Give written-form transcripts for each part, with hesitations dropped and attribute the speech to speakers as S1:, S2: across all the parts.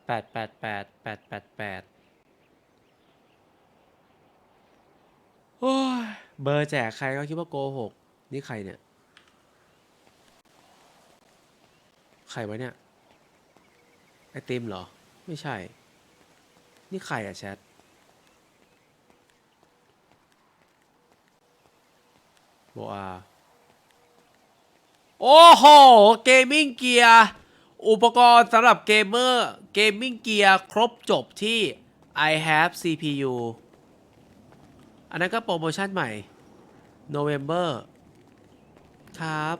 S1: 888 โอ้ยเบอร์แจกใครก็คิดว่าโกหกนี่ใครเนี่ยใครวะเนี่ยไอติมเหรอไม่ใช่นี่ใครอะแชทโบอาโอ้โหเกมมิ่งเกียร์อุปกรณ์สำหรับเกมเมอร์เกมมิ่งเกียร์ครบจบที่ I have CPU อันนั้นก็โปรโมชั่นใหม่ November ครับ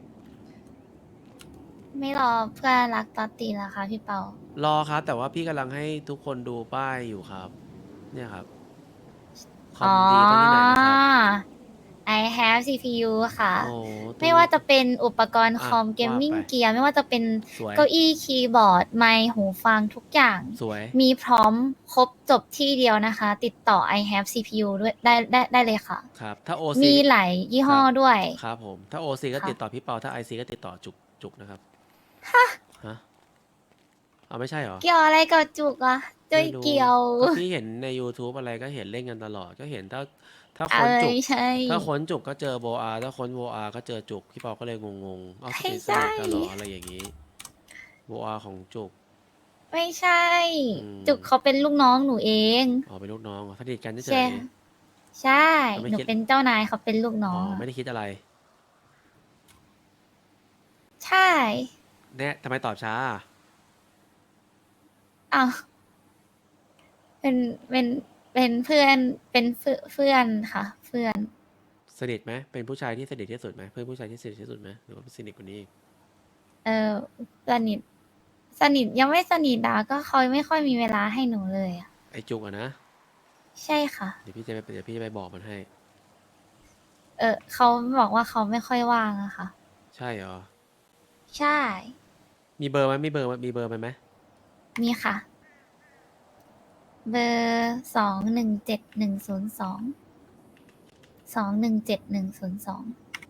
S2: ไม่รอเพื่อนรักตอตตีแล้วค่ะพี่เปาร
S1: อครับแต่ว่าพี่กำลังให้ทุกคนดูป้ายอยู่ครับเนี่ยครับคอ
S2: อ๋อ
S1: มดีต้องที่ไหนนะครับ
S2: I have CPU ค่ะ
S1: โอ้ตู้
S2: ไม่ว่าจะเป็นอุปกรณ์ค
S1: อ่ะ
S2: อมเกม
S1: ว่าไป
S2: มิ่งเกียร์ไม่ว่าจะเป็น
S1: สวย
S2: เก้าอี้คีย์บอร์ดไมค์หูฟังทุกอย่าง
S1: สวย
S2: มีพร้อมครบจบที่เดียวนะคะ ติดต่อ I have CPU ด้วยได้เลยค่ะ
S1: ครับถ้า OC
S2: มีหลายยี่ห้อ
S1: ครับ
S2: ด้วย
S1: ครับผมถ้า OC ก็
S2: ค่ะ
S1: ติดต่อพี่เปาถ้า IC ก็ติดต่อจุกนะครับฮะเอาไม่ใช่เหรอ
S2: เกี่ยวอะไรกับจุกอะจุย
S1: ไม่รู้
S2: เกี่ยว
S1: ก็พี่เห็นใน YouTube อะไรก็เห็นเล่นกันตลอดก็เห็นถ้า
S2: เอ้
S1: ค้นจุก
S2: ยใช่
S1: ถ้าค้นจุกก็เจอโบอาถ้าค้นโบอาก็เจอจุกพี่เปาก็เลยงงเอา
S2: ไม่
S1: ส
S2: ใช่
S1: นิทกันเหรออะไรอย่างนี้โบอาของจุก
S2: ไม่ใช่
S1: อื
S2: จุก
S1: ม
S2: เขาเป็นลูกน้องหนูเอง
S1: อ๋อเป็นลูกน้องเหรอสนิทกันเฉ
S2: ใช่
S1: ย
S2: ใช่
S1: ๆไม่คิด
S2: หนูเป็นเจ้านายเขาเป็นลูกน้
S1: อ๋อ
S2: องอะ
S1: ไม่ได้คิดอะไร
S2: ใช่
S1: แน่ทำไมตอบช้า
S2: อ้าวเป็นเป็นเป็นเพื่อนเป็นเพื่อนค่ะเพื่อน
S1: สนิทไหมเป็นผู้ชายที่สนิทที่สุดไหมเพื่อนผู้ชายที่สนิทที่สุดไหมหรือว่าสนิทกว่านี้อีก
S2: เออสนิทสนิทยังไม่สนิทดาก็เขาไม่ค่อยมีเวลาให้หนูเลยอะ
S1: ไอจุกอะนะ
S2: ใช่ค่ะ
S1: เดี๋ยวพี่จะไปบอกมันให้
S2: เขาบอกว่าเขาไม่ค่อยว่างอะค่ะ
S1: ใช่เหรอ
S2: ใช่
S1: มีเบอร์ไหมมีเบอร์มันไหม
S2: มีค่ะเบอร์217102217102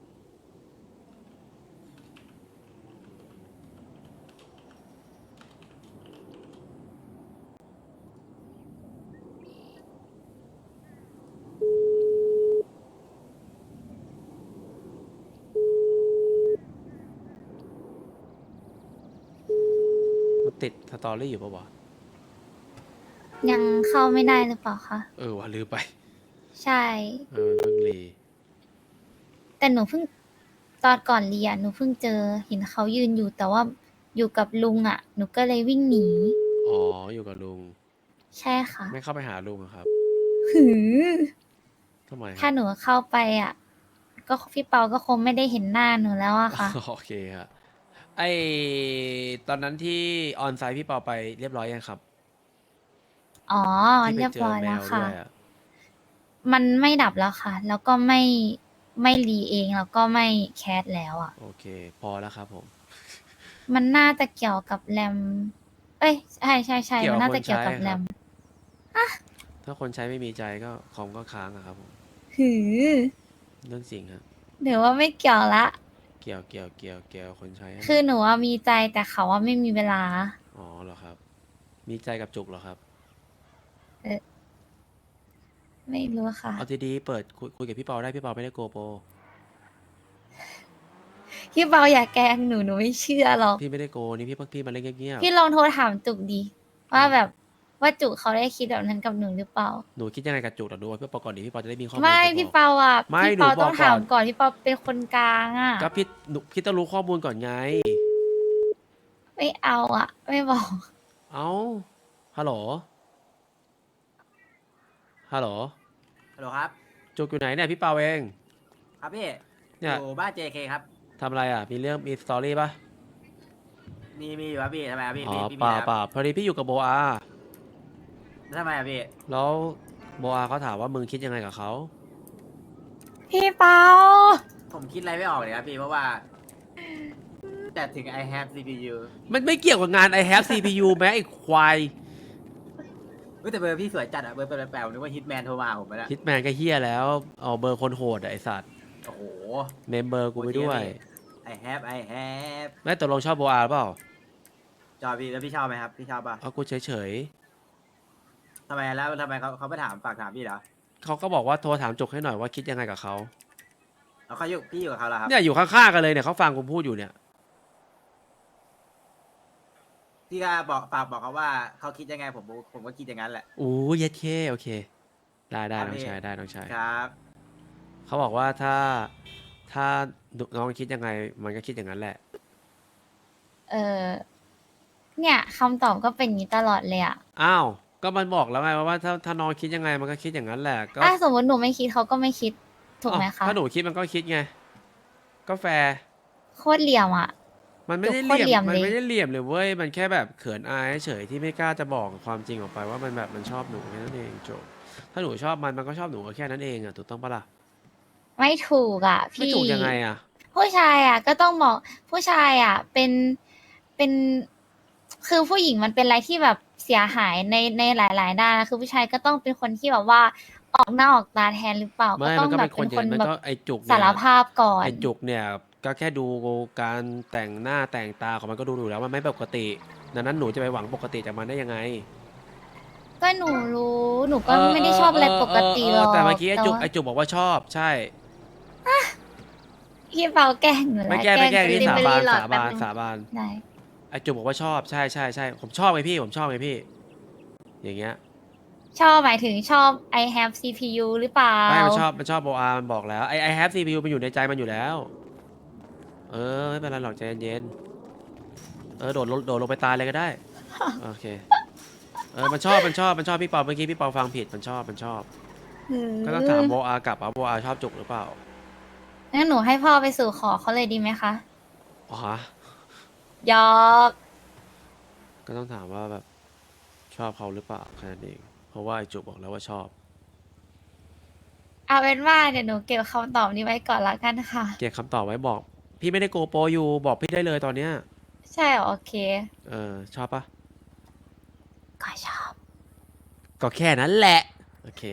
S1: มันติดสตอรี่อยู่ปะวะ
S2: ยังเข้าไม่ได้หรือเปล่าคะ
S1: เออว่ะลืมไป
S2: ใช่
S1: เออมันเพิ่งรี
S2: แต่หนูเพิ่งตอนก่อนเรียนหนูเพิ่งเจอเห็นเขายืนอยู่แต่ว่าอยู่กับลุงอ่ะหนูก็เลยวิ่งหนี
S1: อ๋ออยู่กับลุง
S2: ใช่ค่ะ
S1: ไม่เข้าไปหาลุงอะครับ
S2: หือ
S1: ทำไมครับ
S2: ถ้าหนูเข้าไปอ่ะก็พี่เปาก็คงไม่ได้เห็นหน้าหนูแล้วอะค่ะ
S1: โอเคครับไอตอนนั้นที่ออนไซต์พี่เปาไปเรียบร้อยยังครับ
S2: อ๋อ
S1: ที่ไป
S2: เรียบร้อย
S1: เจอแม
S2: แล้วค่ะ
S1: วด้วยอะ
S2: มันไม่ดับแล้วค่ะแล้วก็ไม่รีเองแล้วก็ไม่แคสแล้วอ่ะ
S1: โอเคพอแล้วครับผม
S2: มันน่าจะเกี่ยวกับแรมเอ้ยใช่
S1: เกี่ยว
S2: มันน่าจะเกี่
S1: กับคนใช้ครับ
S2: ยวกับแรม
S1: ถ้าคนใช้ไม่มีใจก็คอมก็ค้างอะครับผม
S2: หือ
S1: เรื่องจริงครับ
S2: เดี๋ยวว่าไม่เกี่ยวละ
S1: เกี่ยวคนใช้นั่น
S2: คือ
S1: แหละ
S2: หนูว่ามีใจแต่เขาว่าไม่มีเวลา
S1: อ๋อเหรอครับมีใจกับจุกเหรอครับ
S2: เออไม่รู้ค่ะ
S1: เอาดีๆเปิดคุยกับพี่เปาได้พี่เปาไม่ได้โกโปร
S2: พี่เปาอย่าแกล้งหนูไม่เชื่อหรอก
S1: พี่ไม่ได้โกนี่พี่มาเล่นเงียบ
S2: พี่ลองโทรถามจุกดี
S1: ๆ
S2: ว่าแบบว่าจุกเขาได้คิดแบบนั้นกับหนูหรือเปล่า
S1: หนูคิดยังไงกับจุกเดี๋ยวดูพี่เปาก่อนดิพี่เปาจะได้มีข้อมูล
S2: ไม่
S1: ไปบอก
S2: พี่เปาอ่ะ
S1: ไม่
S2: พี่
S1: หนู
S2: เปาต้องถาม
S1: บอกก่อน
S2: ก่อนพี่เปาเป็นคนกลางอ่ะ
S1: ก็พี่ต้องรู้ข้อมูลก่อนไง
S2: ไม่เอาอ่ะไม่บอก
S1: เอ้าฮัลโหลฮัลโหล
S3: ฮัลโหลครับ
S1: จุกอยู่ไหนเนี่ยพี่เปาเอง
S3: ครับพี่อ
S1: เนี่ย
S3: ยู่บ้าน JK ครับ
S1: ทำอะไรอ่ะมีเรื่องมีสตอรี่ปะ
S3: มีอยู่ครับพี่ทำไมครับพี่
S1: อ๋อ
S3: พี่
S1: เปล่า
S3: มีอะไรครับ
S1: เปล่าพอดีพี่อยู่กับโบอา
S3: แล้วทำไมครับพี่
S1: แล้วโบอาเขาถามว่ามึงคิดยังไงกับเขา
S2: พี่เปา
S3: ผมคิดอะไรไม่ออกเลยครับพี่เพราะว่าแต่ถึง I have CPU
S1: มันไม่เกี่ยวกับงาน I have CPU แม้ไอ้ควาย
S3: เฮ้ยแต่เบอร์พี่สวยจัดอะเบอร์แปลกๆนึกว่าฮิตแมนโทรมาผมไปแล้ว
S1: ฮิตแมนก็เฮี้ยแล้วเอาเบอร์คนโหดอะไอสัตว์
S3: โอ้โห
S1: เมมเบอร์กู
S3: โห
S1: ไปด้วย
S3: จริงอะพี่ I have
S1: แม่ตกลงชอบโบอาเปล่า
S3: จอยพี่แล้วพี่ชอบไหมครับพี่ชอบป่ะ
S1: เอากูเฉย
S3: ทำไมแล้วทำไมเขาไม่ถามฝากถามพี่เหรอ
S1: ๆเขาก็บอกว่าโทรถามจุกให้หน่อยว่าคิดยังไงกับเขา
S3: แล้วเขาอยู่พี่อยู่กับเขาแล้วครับ
S1: เนี่ยอยู่ข้างๆกันเลยเนี่ยเขาฟังกูพูดอยู่เนี่ย
S3: พี่ก็บอกฝากบอกเขาว่าเขาคิดยังไงผมก็คิดอย่างนั้นแหละ
S1: โอ้ยเย็ดเคโอเค ได้
S3: ครับ
S1: น้อง
S3: พี่
S1: ชายได้น้องชาย
S3: ครับ
S1: เขาบอกว่าถ้าน้องคิดยังไงมันก็คิดอย่างนั้นแหละ
S2: เออเนี่ยคำตอบก็เป็นอย่างนี้ตลอดเลยอะ
S1: อ้าวก็มันบอกแล้วไงว่าถ้าน้องคิดยังไงมันก็คิดอย่างนั้นแหละก็
S2: ถ้าสมมติหนูไม่คิดเขาก็ไม่คิดถูกไหม
S1: อ้าว
S2: คะ
S1: ถ้าหนูคิดมันก็คิดไงก็แฟร์
S2: โคตรเหลี่ยมอะ
S1: มันไม่ได้
S2: โคตรเหลี่ยม
S1: มัน
S2: เลย
S1: ไม่ได้เหลี่ยมเลยเว้ยมันแค่แบบเขินอายเฉยที่ไม่กล้าจะบอกความจริงออกไปว่ามันแบบมันชอบหนูแค่นั้นเองจบถ้าหนูชอบมันก็ชอบหนูก็แค่นั้นเองอ่ะถูกต้องปะล่ะ
S2: ไม่ถูกอะ
S1: ไม่
S2: พี่
S1: ถูกยังไงอ่ะ
S2: ผู้ชายอะก็ต้องบอกผู้ชายอะเป็นคือผู้หญิงมันเป็นอะไรที่แบบเสียหายในหลาย ๆ ด้านนะคือผู้ชายก็ต้องเป็นคนที่แบบว่าออกหน้าออกตาแทนหรือเปล่า
S1: ไม่
S2: ต้อ
S1: มั
S2: ง
S1: นก็
S2: แบ
S1: เป็
S2: บ
S1: นค
S2: เป็น น
S1: อ
S2: ค
S1: ย่าง
S2: น
S1: มัน
S2: แบ
S1: ก็
S2: บ
S1: ไอจุก
S2: สารภาพก่อน
S1: ไอจุกเนี่ยก็แค่ดูการแต่งหน้าแต่งตาของมันก็ดูอยู่แล้วมันไม่ปกติดังนั้นหนูจะไปหวังปกติจากมันได้ยังไง
S2: ก็หนูรู้หนูก็ไม่ได้ชอบอะไรปกติหรอก
S1: แต่เมื่อกี้ไอจุก
S2: ว่า
S1: ไอจุกบอกว่าชอบใช่
S2: พี่เปาแกล้งหนู
S1: ไม่
S2: แล้ว
S1: แก้ไม่แก้
S2: ส
S1: พี่
S2: ลิป
S1: สา
S2: เบอ
S1: บาน
S2: รี่หลอด
S1: สา
S2: แป๊
S1: บาน
S2: นึง
S1: สาบาน
S2: ได้
S1: ไอจุกบอกว่าชอบใช่ผมชอบไงพี่ผมชอบไงพี่ อย่างเงี้ย
S2: ชอบหมายถึงชอบ I have CPU หรือเปล่า
S1: ไม่มันชอบโบอามันบอกแล้วไอแฮปซีพียูมันอยู่ในใจมันอยู่แล้ว ไม่เป็นไรหรอกใจเย็นโดดลงไปตายเลยก็ได้ โอเคมันชอบพี่เปาเมื่อกี้พี่เปาฟังผิดมันชอบก็ต้องถามโบอากลับว่าโบอาชอบจุกหรือเปล่า
S2: งั้นหนูให้พ่อไปสู่ขอเขาเลยดีไหมคะ
S1: อ๋อฮะ
S2: หยอก
S1: ก็ต้องถามว่าแบบชอบเขาหรือเปล่าแค่นั้นเองเพราะว่าไอจุกบอกแล้วว่าชอบ
S2: เอาเป็นว่าเดี๋ยวหนูเก็บคำตอบนี้ไว้ก่อนละกันค่ะ
S1: เก็บคำตอบไว้บอก พี่ไม่ได้โกโปรอยู่บอกพี่ได้เลยตอนเนี้ย
S2: ใช่เหรอโอเค
S1: ชอบปะ
S2: ก็ชอบ
S1: ก็แค่นั้นแหละโอเค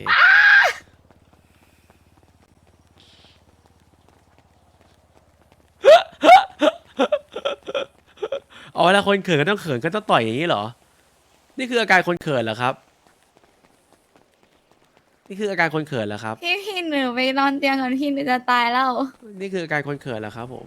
S1: เอาเวลาคนเขินก็ต้องเขินก็ต้องต่อยอย่างนี้เหรอ นี่คืออาการคนเขินเหรอครับ นี่คืออาการคนเขินเหรอครับ
S2: พี่หนูไปนอนเตียงก่อนพี่หนูจะตายแล้ว
S1: นี่คืออาการคนเขินเหรอครับผม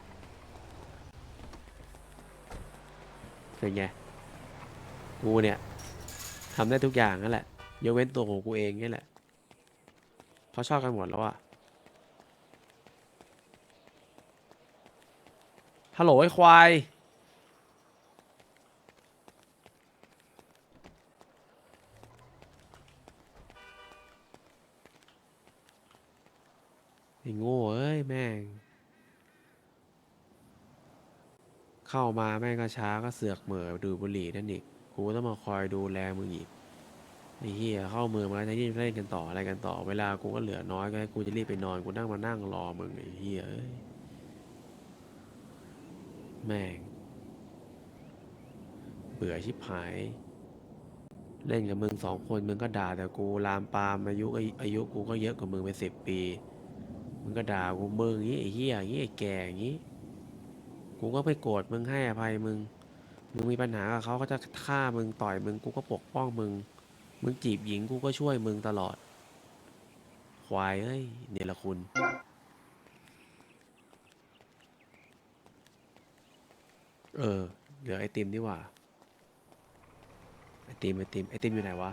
S1: เป็นไง กูเนี่ยทำได้ทุกอย่างนั่นแหละยกเว้นตัวของกูเองนี่แหละเพราะชอบกันหมดแล้วอะฮัลโหลไอ้ควายไอ้โง่เอ้ยแม่ง เข้ามาแม่งก็ช้าก็เสือกเหม่อดูดบุหรี่นั่นอีกกูก็ต้องมาคอยดูแลมึงอีกไอ้เหี้ยเข้าเมืองมาแล้วที่เล่นกันต่ออะไรกันต่อเวลากูก็เหลือน้อยก็ให้กูจะรีบไปนอนกูนั่งมานั่งรอมึงไอ้เหี้ยเอ้ยแม่งเบื่อชิบหายเล่นกับมึง2 คนมึงก็ด่าแต่กูลามปามอายุกูก็เยอะกว่ามึงไป10 ปีมึงก็ด่ากูมึงอย่างงี้ไอ้เหี้ยอย่างงี้ไอ้แก่อย่างงี้กูก็ไม่โกรธมึงให้อภัยมึงมีปัญหากับเขาก็จะฆ่ามึงต่อยมึงกูก็ปกป้องมึงจีบหญิงกูก็ช่วยมึงตลอดควายเอ้ยเนรคุณเหลือไอติมดีกว่าไอติมอยู่ไหนวะ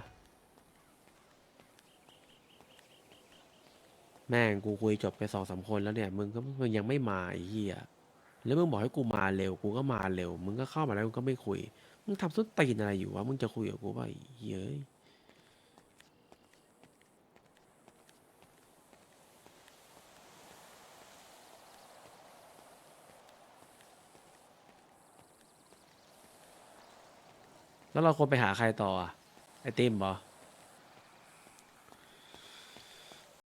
S1: แม่งกูคุยจบไป2-3 คนแล้วเนี่ยมึงยังไม่มาไอ้เหี้ยแล้วมึงบอกให้กูมาเร็วกูก็มาเร็วมึงก็เข้ามาแล้วมึงก็ไม่คุยมึงทำส้นตีนอะไรอยู่วะมึงจะคุยกับกูป่ะไอ้เหี้ยเอ้ยแล้วเราควรไปหาใครต่ออะไอติมเหรอ